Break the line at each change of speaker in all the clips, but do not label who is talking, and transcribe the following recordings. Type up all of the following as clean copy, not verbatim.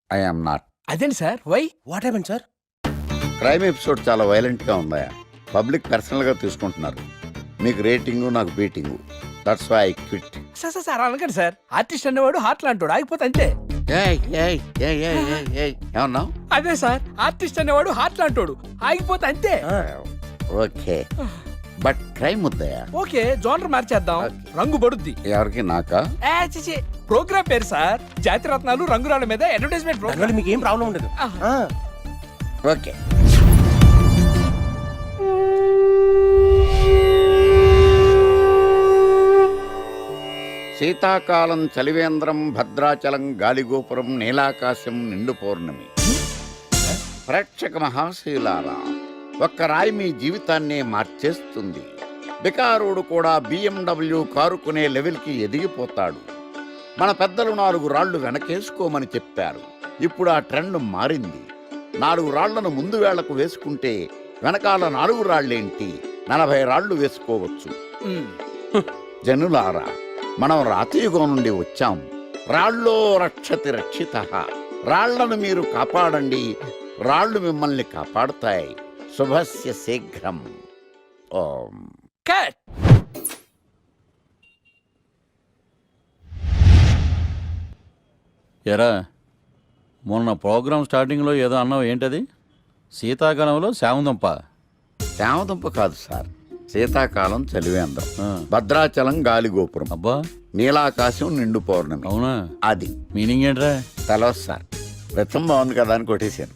I am not.
అదేంటి sir why?
What happen sir?
Crime episode చాలా violent గా ఉందా? పబ్లిక్ పర్సనల్ గా తీసుకుంటున్నారు. మీకు రేటింగు, నాకు beating. That's why I quit.
Sir sir sir అనకండి సార్. ఆర్టిస్ట్ అనేవాడు హార్ట్ లాంటోడు, ఆగిపోతే అంతే.
ఏమన్నా?
అదే సార్, ఆర్టిస్ట్ అనేవాడు హార్ట్ లాంటోడు, ఆగిపోతే అంతే.
Okay, but crime వద్దయా?
Okay, genre మార్చేద్దాం. రంగు పడుద్ది.
ఎవరికి? నాకా?
ప్రోగ్రామ్ పేరు సార్ జాతి రత్నాలు రంగురాళ్ళ మీద అడ్వర్టైజ్మెంట్ ప్రోగ్రామ్.
మీకు ఏం ప్రాబ్లం ఉండదు.
ఓకే. శీతాకాలం చలివేంద్రం, భద్రాచలం గాలిగోపురం, నీలాకాశం, నిండు పౌర్ణమి. ప్రేక్షక మహాశయులారా, ఒక్క రాయి మీ జీవితాన్నే మార్చేస్తుంది. బికారుడు కూడా BMW కారు కొనే లెవెల్కి ఎదిగిపోతాడు. మన పెద్దలు 4 రాళ్లు వెనకేసుకోమని చెప్పారు. ఇప్పుడు ఆ ట్రెండ్ మారింది. 4 రాళ్లను ముందు వేళ్లకు వేసుకుంటే వెనకాల 4 రాళ్లేంటి 40 రాళ్లు వేసుకోవచ్చు. జనులారా, మనం రాతియుగం నుండి వచ్చాం. రాళ్ళో రక్షతి రక్షితః. రాళ్లను మీరు కాపాడండి, రాళ్లు మిమ్మల్ని కాపాడుతాయి. శుభస్య శీఘ్రం. ఓం.
కట్.
ఎరా, మొన్న ప్రోగ్రామ్ స్టార్టింగ్లో ఏదో అన్నావు, ఏంటది? శీతాకాలంలో శామందంప.
శామదుంప కాదు సార్, శీతాకాలం చలివేంద్రం, భద్రాచలం గాలిగోపురం,
అబ్బా,
నీలాకాశం, నిండు పౌర్ణమి.
అవునా?
అది
మీనింగ్ ఏంట్రా?
తెలవదు సార్. రతం బాగుంది కదా అని కొట్టేశాను.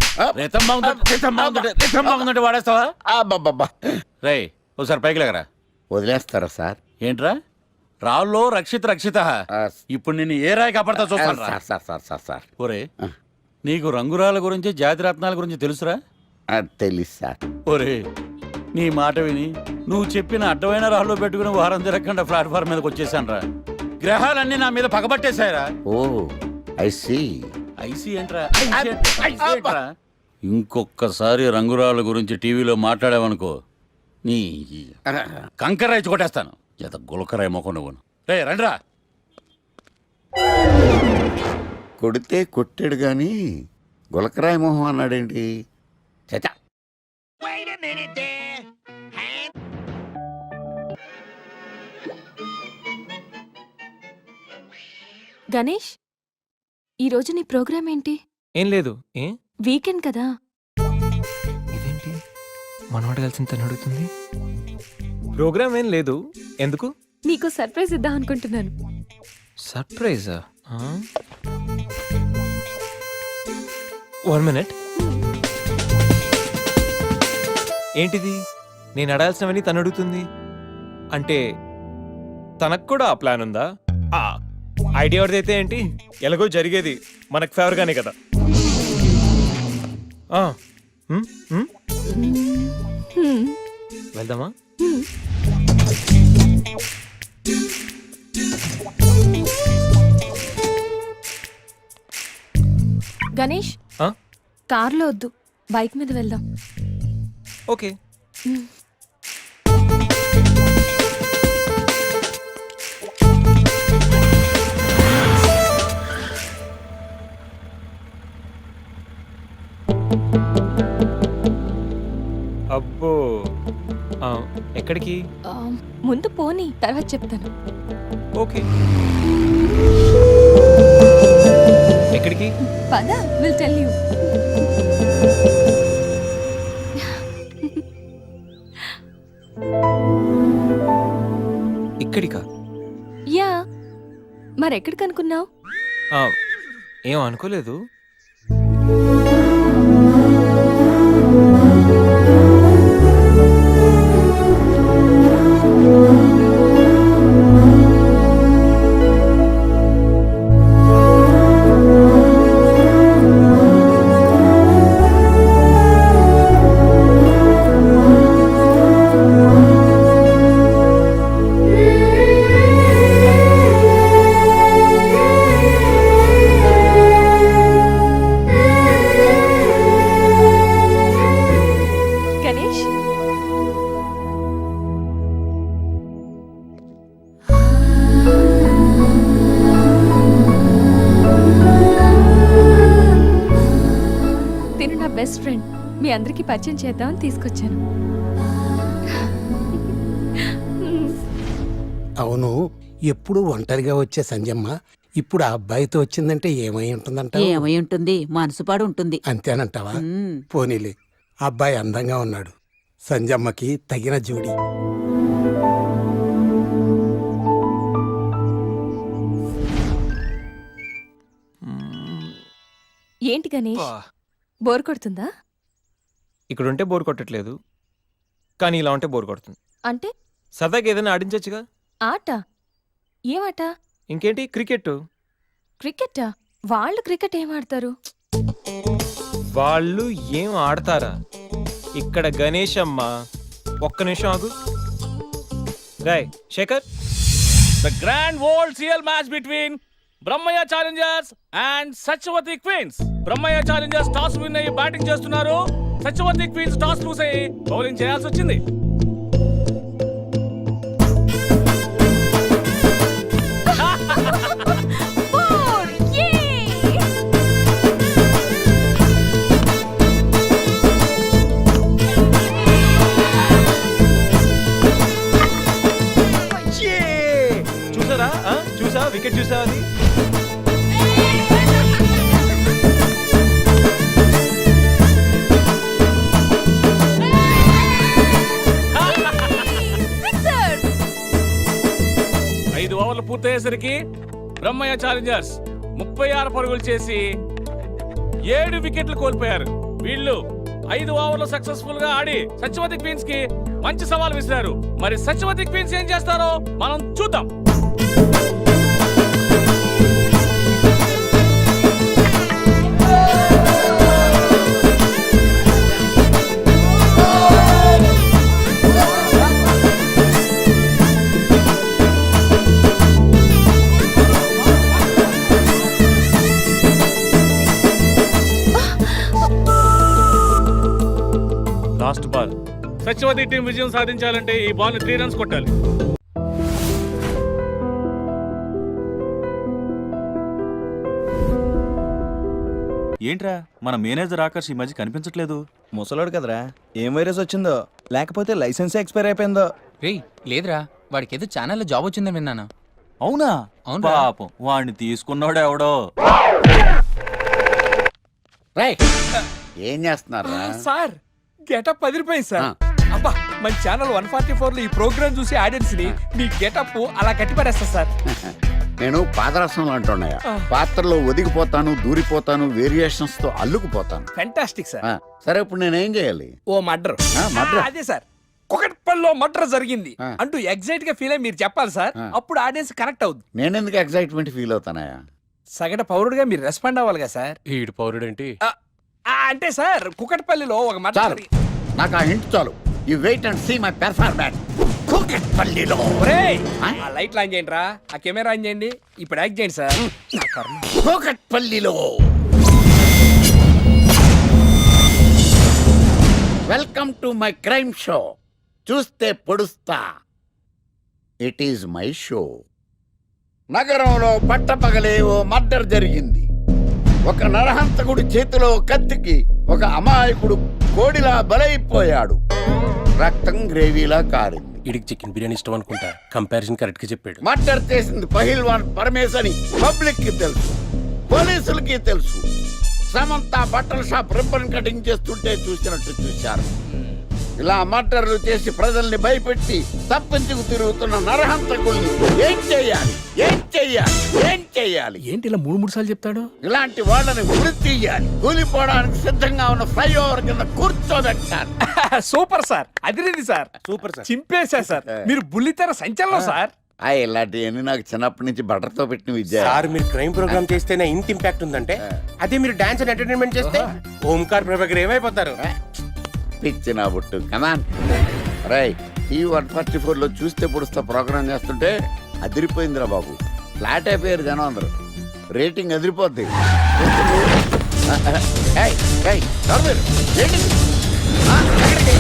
వాడేస్తావా?
అబ్బబ్బబ్బా.
రే, ఒకసారి పైకి లేకరా.
వదిలేస్తారా సార్?
ఏంట్రా? రాళ్ళో రక్షిత రక్షిత. ఇప్పుడు నిన్ను ఏ రాయి కాపాడతా చూస్తాను.
Sir sir sir sir sir
ఒరే, నీకు రంగురాల గురించి, జాతి రత్నాల గురించి తెలుసురా?
తెలీదు సార్.
ఒరే, నీ మాట విని నువ్వు చెప్పిన అడ్డమైన రాళ్ళు పెట్టుకుని వారం తిరగకుండా ప్లాట్ఫామ్ మీదకి వచ్చేసాను రా. గ్రహాలన్నీ నా మీద పగబట్టేశాయరా.
Oh, I see.
ఐసీ ఏంట్రా? ఇంకొక్కసారి రంగురాళ్ళ గురించి టీవీలో మాట్లాడావనుకో, నీ కంకరాయి కొట్టేస్తాను. ఎంత గులకరాయి మొక్క నువ్వు. రే రండిరా.
కొడితే కొట్టాడు గాని గులకరాయి మొహం అన్నాడేంటి? చచా.
గణేష్, ఈరోజు నీ ప్రోగ్రామ్ ఏంటి?
ఏం లేదు. ఏ
వీకెండ్ కదా.
ఇదేంటి మనవాడు కలిసి తను అడుగుతుంది? ప్రోగ్రామ్ ఏం లేదు. ఎందుకు?
నీకు సర్ప్రైజ్ ఇద్దాం అనుకుంటున్నాను.
సర్ప్రైజా? 1 minute. ఏంటిది? నేను అడాల్సినవని తను అడుగుతుంది అంటే తనకు కూడా ఆ ప్లాన్ ఉందా? ఐడియా ఎవరిదైతే ఏంటి, ఎలాగో జరిగేది మనకు ఫేవర్ గానే కదా. వెళ్దామా?
గణేష్, కార్లో వద్దు, బైక్ మీద వెళ్దాం.
ఓకే. అబ్బో, ఎక్కడికి?
ముందు పోనీ, తర్వాత చెప్తాను.
ఓకే. ఎక్కడికి?
పద, విల్ టెల్ యూ.
ఇక్కడికా?
యా, మరెక్కడికి అనుకున్నావు?
ఏం అనుకోలేదు.
Best friend. మీ అందరికి పరిచయం చేద్దామని తీసుకొచ్చాను.
అవును, ఎప్పుడు ఒంటరిగా వచ్చే సంజమ్మ ఇప్పుడు ఆ అబ్బాయితో వచ్చిందంటే ఏమై ఉంటుందంట?
ఏమై ఉంటుంది, మనసుపాడు ఉంటుంది.
అంతేనంటావా?
మ్మ్.
పోనీలే, అబ్బాయి అందంగా ఉన్నాడు, సంజమ్మకి తగిన జోడి.
ఏంటి గణేష్, బోర్ కొడుతుందా?
ఇక్కడ ఉంటే బోర్ కొట్టట్లేదు, కానీ ఇలా ఉంటే బోర్ కొడుతుంది.
అంటే
సరదాగా ఏదైనా ఆడించొచ్చుగా.
ఆట? ఏమాట?
ఇంకేంటి, క్రికెట్.
క్రికెటా? వాళ్ళు క్రికెట్ ఏం ఆడతారు?
వాళ్ళు ఏం ఆడతారా? ఇక్కడ గణేష్ అమ్మ. ఒక్క నిమిషం ఆగు. Rai Shekhar,
The grand world CL match between Brahmayya challengers and Satyavathi queens. Brahmayya challengers toss win అయ్యి బ్యాటింగ్ చేస్తున్నారు. సత్యవతి క్వీన్స్ టాస్ లూస్ అయ్యి బౌలింగ్ చేయాల్సి వచ్చింది.
చూసారా? చూసా, వికెట్ చూసా అది.
ఐదు ఓవర్లు పూర్తయ్యేసరికి బ్రహ్మయ్య ఛాలెంజర్స్ 36 పరుగులు చేసి 7 వికెట్లు కోల్పోయారు. వీళ్ళు 5 ఓవర్లు సక్సెస్ఫుల్ గా ఆడి సత్యవతి క్వీన్స్ కి మంచి సవాల్ విసిరారు. మరి సత్యవతి క్వీన్స్ ఏం చేస్తారో మనం చూద్దాం. Last ball. సత్యవతి టీం విజయం సాధించాలంటే ఈ బాల్ 3 రన్స్ కొట్టాలి.
ఏంట్రా మన మేనేజర్ ఆకర్ష్ ఈ మధ్య కనిపించట్లేదు?
ముసలోడు కదరా, ఏం వైరస్ వచ్చిందో, లేకపోతే లైసెన్స్ ఎక్స్పైర్ అయిపోయిందో.
రేయ్ లేదురా, వాడికి ఏదో ఛానల్లో జాబ్ వచ్చిందని విన్నాను.
అవునా?
అవునురా.
పాపం వాడిని తీసుకున్నాడు ఎవడో.
రైట్, ఏం చేస్తున్నారా?
సార్ గెటప్ అదిరిపోయింది సార్. అబ్బా, మన ఛానల్ 144 లో ఈ ప్రోగ్రామ్ చూసి ఆడియన్స్ ని మీ గెటప్ అలా కట్టిపడేస్తా సార్.
నేను పాదరసంలో అంటున్నాయా, పాత్రలో ఒదిగిపోతాను, దూరిపోతాను, వేరియేషన్స్ తో అల్లుకుపోతాను.
Fantastic sir.
సరే, ఇప్పుడు నేనేం చేయాలి?
ఓ మర్డర్.
murder?
అదే సార్, కుకట్పల్లిలో మర్డర్ జరిగింది
ఆ.
అంటూ ఎగ్జైట్ గా ఫీల్ అయ్యి మీరు చెప్పాలి సార్. అప్పుడు ఆడియన్స్ కనెక్ట్ అవుద్ది.
నేనెందుకు ఎక్సైట్మెంట్ ఫీల్ అవుతానయా?
సగట పౌరుడుగా మీరు రెస్పాండ్ అవ్వాలిగా సార్.
ఈడు పౌరుడేంటి?
అంటే సార్ కుకట్పల్లిలో ఒక
చాలు,
మర్డర్.
నాకు ఆ హింట్ చాలు. You wait and see my performance. కూకట్పల్లిలో
ఆ లైట్లు ఆన్ చేయండి రా, ఆ కెమెరా ఆన్ చేయండి, ఇప్పుడు యాక్ట్ చేయండి సార్. నా కర్మ.
కూకట్పల్లిలో welcome to my crime show. చూస్తే పొడుస్తా, ఇట్ ఈజ్ మై షో. నగరంలో పట్టపగలే ఓ మర్డర్ జరిగింది. ఒక నరహంతకుడి చేతిలో కత్తికి ఒక అమాయకుడు కోడిలా బలైపోయాడు. రక్తం గ్రేవీలా కారింది.
ఇడికి చికెన్ బిర్యానీ ఇష్టం అనుకుంటా, కంపారిజన్ కరెక్ట్ గా చెప్పాడు.
మర్డర్ చేసింది పహిల్వాన్ పరమేశ్ అని పబ్లిక్ కి తెలుసు, పోలీసులకి తెలుసు. సమంత బట్టల షాప్ రిబ్బన్ కటింగ్ చేస్తుంటే చూసినట్టు చూశారు. ఇలా మర్డర్లు చేసి ప్రజల్ని భయపెట్టి తప్పించుకు తిరుగుతున్న నరహంతకుల్ని ఏం చెయ్యాలి, ఏం చెయ్యాలి, ఏం చెయ్యాలి?
ఏంటి ఇలా 3 సార్లు చెప్తాడు?
ఇలాంటి వాళ్ళని ఉరి తీయాలి. కూలిపోవడానికి సిద్ధంగా ఉన్న ఫ్లైఓవర్ కింద కూర్చోబెట్టాలి.
సూపర్ సార్, అదిరింది సార్,
సూపర్ సార్.
చింపేశా సార్. మీరు బుల్లితెర సంచలనం సార్.
ఇలాంటివన్నీ నాకు చిన్నప్పటి నుంచి బట్టర్తో పెట్టిన విద్య.
సార్, మీరు క్రైమ్ ప్రోగ్రామ్ చేస్తేనే ఇంత ఇంపాక్ట్ ఉందంటే, అదే మీరు డాన్స్ అండ్ ఎంటర్టైన్మెంట్ చేస్తే ఓంకార్ ప్రభాకర్ ఏమైపోతారు?
పిచ్చి నా బుట్టు. కమాన్ రై, ఈ 144లో చూస్తే పొడుస్తా ప్రోగ్రామ్ చేస్తుంటే అదిరిపోయిందిరా బాబు. ఫ్లాట్ అయిపోయారు జనం అందరూ. రేటింగ్ అదిరిపోద్ది. ఏయ్, ఏయ్, ఎవరు మీరు? ఏంటి? ఎక్కడికి?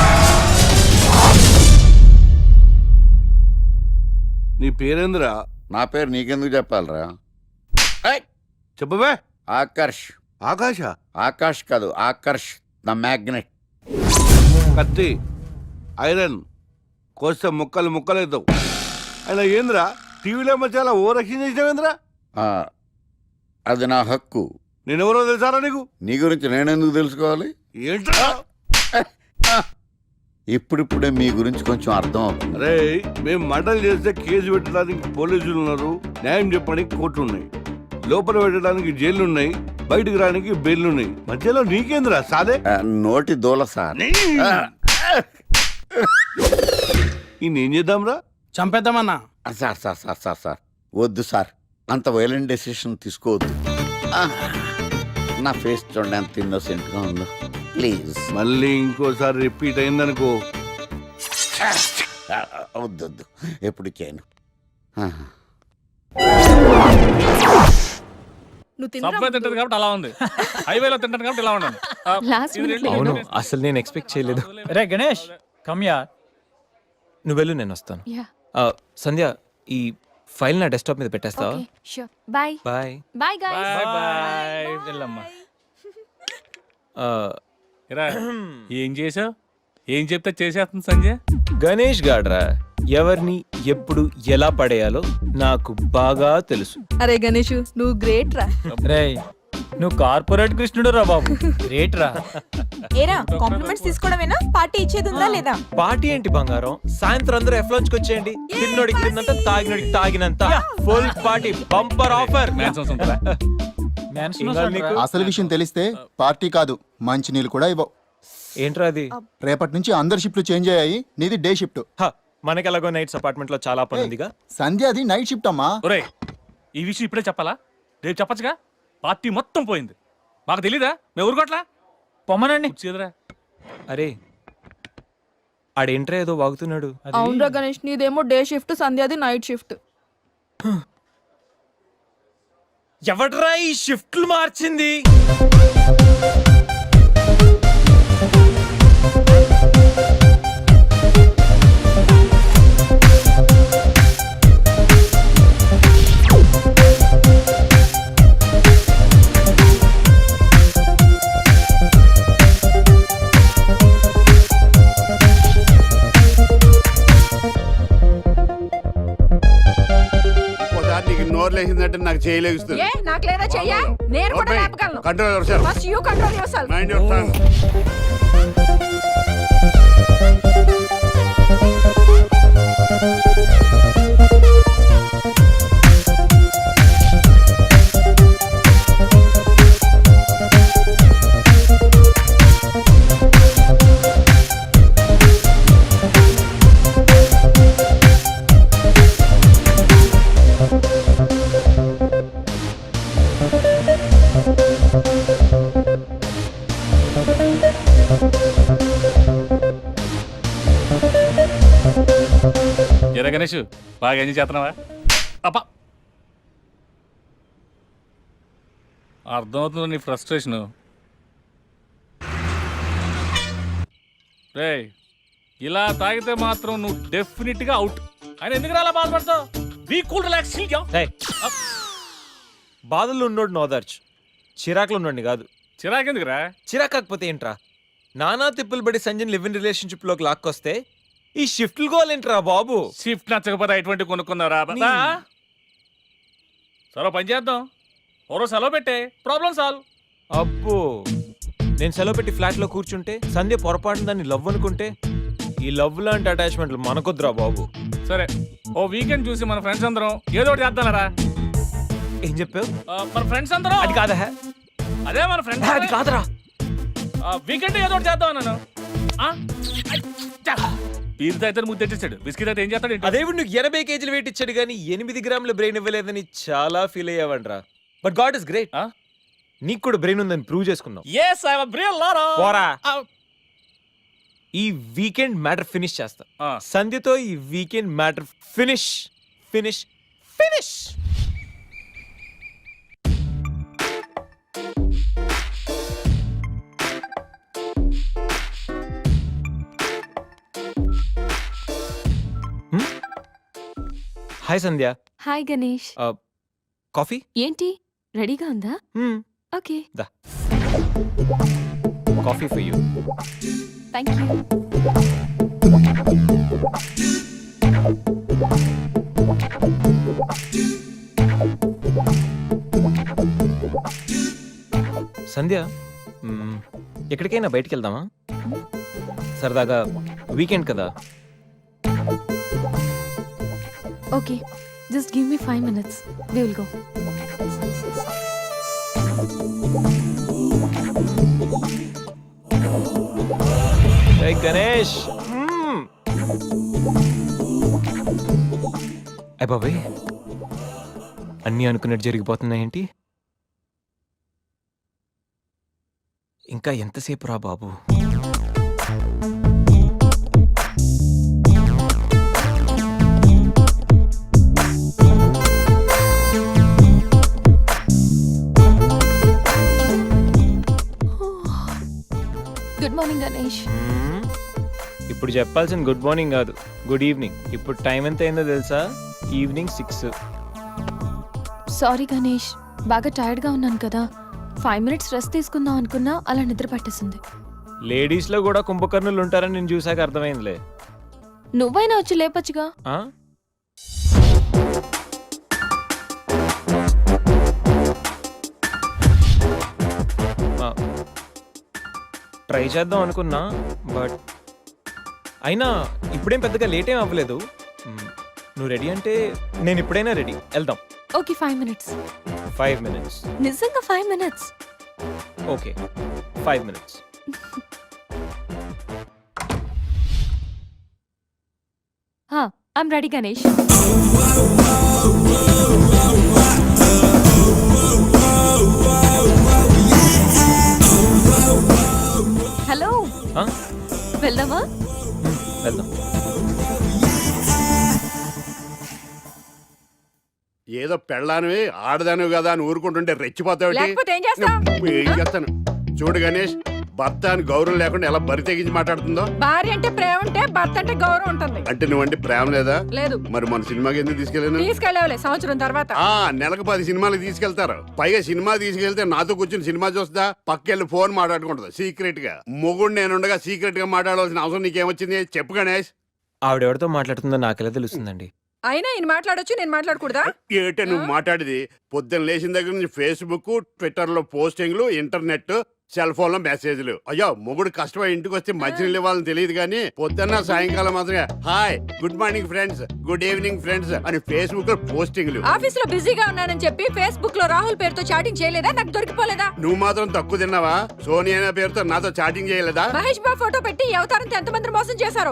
నీ పేరేంద్రా?
నా పేరు నీకెందుకు చెప్పాలరా?
చెప్పవే.
ఆకర్ష్.
ఆకాశ
ఆకాష్ కాదు, ఆకర్ష్ ద మ్యాగ్నెట్.
కత్తి ఐరన్ కోస్తే ముక్కలు ముక్కలవుతావు. అయినా ఏంద్రా టీవీలో చాలా ఓ రక్షణ చేసినావేంద్రా?
అది నా హక్కు.
నేనెవరో తెలుసారా నీకు?
నీ గురించి నేనెందుకు తెలుసుకోవాలి?
ఏంట్రా?
ఇప్పుడిప్పుడే మీ గురించి కొంచెం అర్థం అవుతుంది.
అరే మేము మర్డర్ చేస్తే కేసు పెట్టడానికి పోలీసులు ఉన్నారు, న్యాయం చెప్పడానికి కోర్టులు ఉన్నాయి, లోపల పెట్టడానికి జైలు ఉన్నాయి, బయటకు రానికి బెయిల్ ఉన్నాయి. మధ్యలో నీకేంద్రా సాదే?
నోటి దూల సార్.
ఈయనేం చేద్దాంరా?
చంపేద్దామన్నా.
Sir sir sir sir sir వద్దు సార్, అంత వైలెంట్ డెసిషన్ తీసుకోవద్దు. నా ఫేస్ చూడండి ఎంత ఇన్నోసెంట్గా ఉందో. ప్లీజ్
మళ్ళీ ఇంకోసారి రిపీట్ అయిందనుకో.
వద్దొద్దు, ఎప్పుడు చేయను.
సబ్వే తింటది కాబట్టి అలా ఉంది, హైవేలో తింటాను కాబట్టి ఇలా ఉన్నాను.
లాస్ట్ మినిట్
అవును, అసలు నేను ఎక్స్పెక్ట్ చేయలేదు.
రే గణేష్ కమ్యా.
నువ్వు వెళ్ళు, నేను వస్తాను.
యా
సంధ్య, ఈ ఫైల్ నా డెస్క్టాప్ మీద పెట్టేస్తావా?
Okay sure. Bye
bye.
Bye guys.
Bye bye. వెళ్ళమ్మా. ఇరా, ఏం చేసావు? ఏం చెప్తే చేసేస్తుంది సంజయ్.
గణేష్ గాడ్రా, ఎవరిని ఎప్పుడు ఎలా పడేయాలో నాకు బాగా తెలుసు.
అరే గణేష్ నువ్వు గ్రేట్ రా.
రే నువ్వు కార్పొరేట్ కృష్ణుడు రా బాబు, గ్రేట్ రా.
ఏరా కాంప్లిమెంట్స్ తీసుకోవడమేనా, పార్టీ ఇచ్చేది ఉందా లేదా?
పార్టీ ఏంటి బంగారం, సాయంత్రం అందరూ ఎఫ్లోంచ్కి వచ్చేయండి. తిన్నోడికి తిన్నంత, తాగినోడికి తాగినంత, ఫుల్ పార్టీ, బంపర్ ఆఫర్.
మ్యాన్సన్స్ ఉంటుందా?
అసలు విషయం తెలిస్తే పార్టీ కాదు మంచి నీళ్ళు కూడా ఇవ్వవు.
ఏంట్రా అది?
రేపటి నుంచి అందరి షిఫ్ట్లు చేంజ్ అయ్యాయి, నీది డే షిఫ్ట్.
మనకి ఎలాగో నైట్స్ అపార్ట్మెంట్ లో చాలా పని ఉందిగా.
సంధ్యాది నైట్ షిఫ్ట్ అమ్మా.
ఒరే, ఈ విషయం ఇప్పుడే చెప్పాలా? రేపు చెప్పచ్చుగా. పార్టీ మొత్తం పోయింది, మాకు తెలీదా? మేము ఊరుకోట్లా.
పొమ్మనండి.
చేదురా.
అరే ఆడేంట్రా ఏదో వాగుతున్నాడు.
అవునరా గణేష్, నీదేమో డే షిఫ్ట్, సంధ్యాది నైట్ షిఫ్ట్.
ఎవడ్రా ఈ షిఫ్ట్లు మార్చింది?
ఒకసారి నీకు నోరు లేచిందంటే నాకు చేయలేస్తుంది.
నాకు లేదా చెయ్యా, నేను కూడా లేపగలను.
Control your
first you control yourself.
Mind your tongue.
ఎరా గణేష్, బాగా ఎంజాయ్ చేస్తున్నావా? అప్ప అర్థమవుతుంది నీ ఫ్రస్ట్రేషను. రే, ఇలా తాగితే మాత్రం నువ్వు డెఫినెట్ గా అవుట్. ఆయన ఎందుకు అలా బాధపడతావు? Be cool, relax.
బాధల్లో ఉన్నోడు నోదార్చు, చిరాకులో ఉన్నోడిని కాదు.
చిరాకెందుకురా?
చిరాకు కాకపోతే ఏంట్రా? నానా తిప్పులు పడి సంజయ్ లివ్ ఇన్ రిలేషన్షిప్ లోకి లాక్కొస్తే ఈ షిఫ్ట్లు గోలేంట్రా బాబు?
షిఫ్ట్ నచ్చకపోతే ఎటువంటి కొనుక్కున్నారా? సరే పని చేద్దాం, ఓరో సెలవు పెట్టే, ప్రాబ్లం సాల్వ్.
అబ్బో, నేను సెలవు పెట్టి ఫ్లాట్ లో కూర్చుంటే సంధ్య పొరపాటున దాన్ని లవ్ అనుకుంటే, ఈ లవ్ లాంటి అటాచ్మెంట్లు మనకొద్దురా బాబు.
సరే, ఓ వీకెండ్ చూసి మన ఫ్రెండ్స్ అందరం ఏదో ఒకటి చేద్దాంరా.
ఏం చెప్పావు?
మన ఫ్రెండ్స్ అందరం.
అది కాదా?
అదే మన ఫ్రెండ్స్.
అది కాదురా.
వీకెండ్ ఏదో ఒకటి చేద్దాం అన్నాను. పీర్ అయితే ముద్దు తెచ్చేసాడు, బిస్కెట్ అయితే ఏం చేస్తాడు?
అదేవిడు నువ్వు 80 కేజీలు వెయిట్ ఇచ్చాడు కానీ 8 గ్రాముల బ్రెయిన్ ఇవ్వలేదని చాలా ఫీల్ అయ్యావంట్రా. బట్ గాడ్ ఇస్ గ్రేట్, నీకు కూడా బ్రెయిన్ ఉందని ప్రూవ్ చేసుకున్నావు.
yes I have a brain Lara.
పోరా. ఈ వీకెండ్ మ్యాటర్ ఫినిష్ చేస్తా. సంధ్యతో ఈ weekend matter finish finish finish. Hi Sandhya.
Hi Ganesh.
Coffee
ఏంటి రెడీగా ఉందా? ఓకే,
దా coffee for you.
Thank you.
Sandhya, ఎక్కడికైనా బయటికి వెళ్దామా? సరదాగా వీకెండ్ కదా.
Okay, just give me 5 minutes. We will go.
Hey Ganesh. అయ్ బాబాయ్, అన్నీ అనుకున్నట్టు జరిగిపోతున్నాయేంటి? ఇంకా ఎంతసేపు రా బాబు?
Good morning Ganesh.
ఇప్పుడు చెప్పాల్సిన గుడ్ మార్నింగ్ కాదు, గుడ్ ఈవినింగ్. ఇప్పుడు టైం ఎంత అయిందో తెలుసా? ఈవినింగ్ 6.
సారీ గణేష్, బాగా టైర్డ్గా ఉన్నాను కదా. 5 minutes రెస్ట్ తీసుకుందాం అనుకున్నా, అలా నిద్ర పట్టేసింది.
లేడీస్లో కూడా కుంభకర్ణులు ఉంటారని నేను చూసాక అర్థమైందిలే.
నువ్వైనా వచ్చి లేపచ్చుగా.
ఆ? ఆ, ట్రై చేద్దాం అనుకున్నా, బట్ అయినా ఇప్పుడేం పెద్దగా లేట్ ఏం అవ్వలేదు. నువ్వు రెడీ అంటే నేను ఇప్పుడైనా రెడీ, వెళ్దాం.
Okay, 5 minutes.
5 minutes.
నిజంగా 5 minutes.
Okay, 5 minutes.
I'm ready Ganesh. Hello,
ఆ?
వెళ్దామా?
వెళ్దాం.
ఏదో పెళ్ళానివి ఆడదానివి కదా అని ఊరుకుంటుంటే రెచ్చిపోతావు.
లేకపోతే ఏం చేస్తావ్?
ఏం చేస్తాను చూడు గణేష్, భర్త అని గౌరవం లేకుండా ఎలా బరి తెగించి మాట్లాడుతుందో.
భార్య అంటే ప్రేమ ఉంటే భర్త అంటే గౌరవం ఉంటుంది.
అంటే నువ్వంటే ప్రేమ లేదా?
లేదు.
మరి మన సినిమాకి ఎందుకు తీసుకెళ్ళాను?
తీసుకెళ్ళవలే సంవత్సరం తర్వాత.
నెలకు 10 సినిమాలు తీసుకెళ్తారు. పైగా సినిమా తీసుకెళ్తే నాతో కూర్చుని సినిమా చూస్తా, పక్కెళ్ళి ఫోన్ మాట్లాడుకుంటుంది సీక్రెట్ గా. మొగుడు నేనుండగా సీక్రెట్ గా మాట్లాడాల్సిన అవసరం నీకేమొచ్చింది చెప్పు గణేష్.
ఆవిడెవరితో మాట్లాడుతుందో నాకెలా తెలుస్తుందండి?
అయినా ఈయన మాట్లాడొచ్చు, నేను మాట్లాడకూడదా?
ఏటే నువ్వు మాట్లాడేది? పొద్దున్న లేచిన దగ్గర నుంచి ఫేస్బుక్, ట్విట్టర్ లో పోస్టింగ్లు, ఇంటర్నెట్, సెల్ ఫోన్ లో మెసేజ్లు. అయ్యో మొగుడు కష్టమై ఇంటికి వస్తే మంచినీళ్ళు ఇవ్వాలని తెలియదు కానీ పొద్దున్న సాయంకాలం మాత్రమే hi, good morning friends, good evening friends అని ఫేస్బుక్ లో పోస్టింగ్లు.
ఆఫీస్ లో బిజీగా ఉన్నానని చెప్పి ఫేస్బుక్ లో రాహుల్ పేరుతో చాటింగ్ చేయలేదా? నాకు దొరికిపోలేదా?
నువ్వు మాత్రం తక్కువ తిన్నావా? సోనియా పేరుతో నాతో చాటింగ్ చేయలేదా?
మహేష్ బాబు ఫోటో పెట్టి ఈ అవతారంతో ఎంతమంది మోసం చేశారు.